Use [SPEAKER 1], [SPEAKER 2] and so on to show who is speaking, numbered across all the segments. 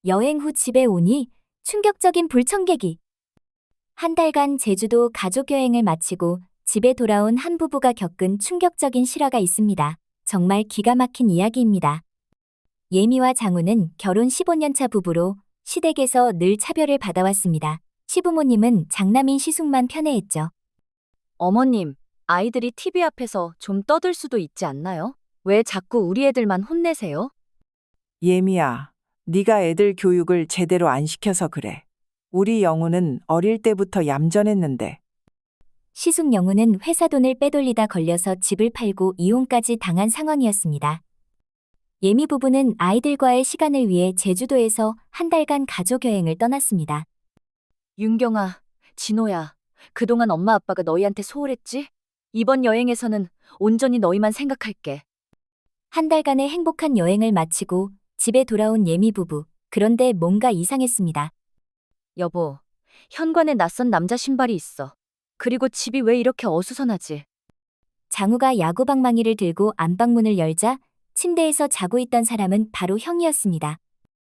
[SPEAKER 1] 여행 후 집에 오니 충격적인 불청객이. 한 달간 제주도 가족여행을 마치고 집에 돌아온 한 부부가 겪은 충격적인 실화가 있습니다. 정말 기가 막힌 이야기입니다. 예미와 장우는 결혼 15년차 부부로 시댁에서 늘 차별을 받아왔습니다. 시부모님은 장남인 시숙만 편애했죠.
[SPEAKER 2] 어머님, 아이들이 TV 앞에서 좀 떠들 수도 있지 않나요? 왜 자꾸 우리 애들만 혼내세요?
[SPEAKER 3] 예미야, 네가 애들 교육을 제대로 안 시켜서 그래. 우리 영우는 어릴 때부터 얌전했는데.
[SPEAKER 1] 시숙 영우는 회사 돈을 빼돌리다 걸려서 집을 팔고 이혼까지 당한 상황이었습니다. 예미 부부는 아이들과의 시간을 위해 제주도에서 한 달간 가족여행을 떠났습니다.
[SPEAKER 2] 윤경아, 진호야, 그동안 엄마 아빠가 너희한테 소홀했지? 이번 여행에서는 온전히 너희만 생각할게.
[SPEAKER 1] 한 달간의 행복한 여행을 마치고 집에 돌아온 예미 부부. 그런데 뭔가 이상했습니다.
[SPEAKER 2] 여보, 현관에 낯선 남자 신발이 있어. 그리고 집이 왜 이렇게 어수선하지?
[SPEAKER 1] 장우가 야구방망이를 들고 안방문을 열자 침대에서 자고 있던 사람은 바로 형이었습니다.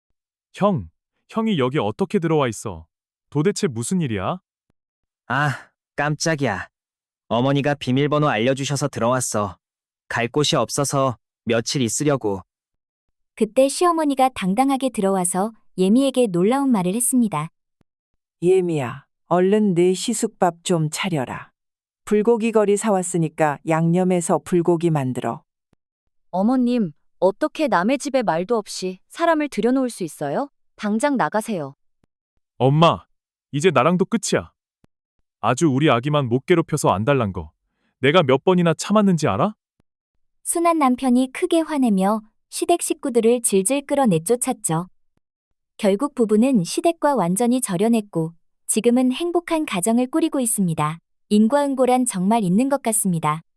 [SPEAKER 4] 형이 여기 어떻게 들어와 있어? 도대체 무슨 일이야?
[SPEAKER 5] 아, 깜짝이야. 어머니가 비밀번호 알려주셔서 들어왔어. 갈 곳이 없어서 며칠 있으려고.
[SPEAKER 1] 그때 시어머니가 당당하게 들어와서 예미에게 놀라운 말을 했습니다.
[SPEAKER 3] 예미야, 얼른 내 시숙밥 좀 차려라. 불고기 거리 사왔으니까 양념해서 불고기 만들어.
[SPEAKER 2] 어머님, 어떻게 남의 집에 말도 없이 사람을 들여놓을 수 있어요? 당장 나가세요.
[SPEAKER 4] 엄마, 이제 나랑도 끝이야. 아주 우리 아기만 못 괴롭혀서 안달난 거. 내가 몇 번이나 참았는지 알아?
[SPEAKER 1] 순한 남편이 크게 화내며 시댁 식구들을 질질 끌어 내쫓았죠. 결국 부부는 시댁과 완전히 절연했고 지금은 행복한 가정을 꾸리고 있습니다. 인과응보란 정말 있는 것 같습니다.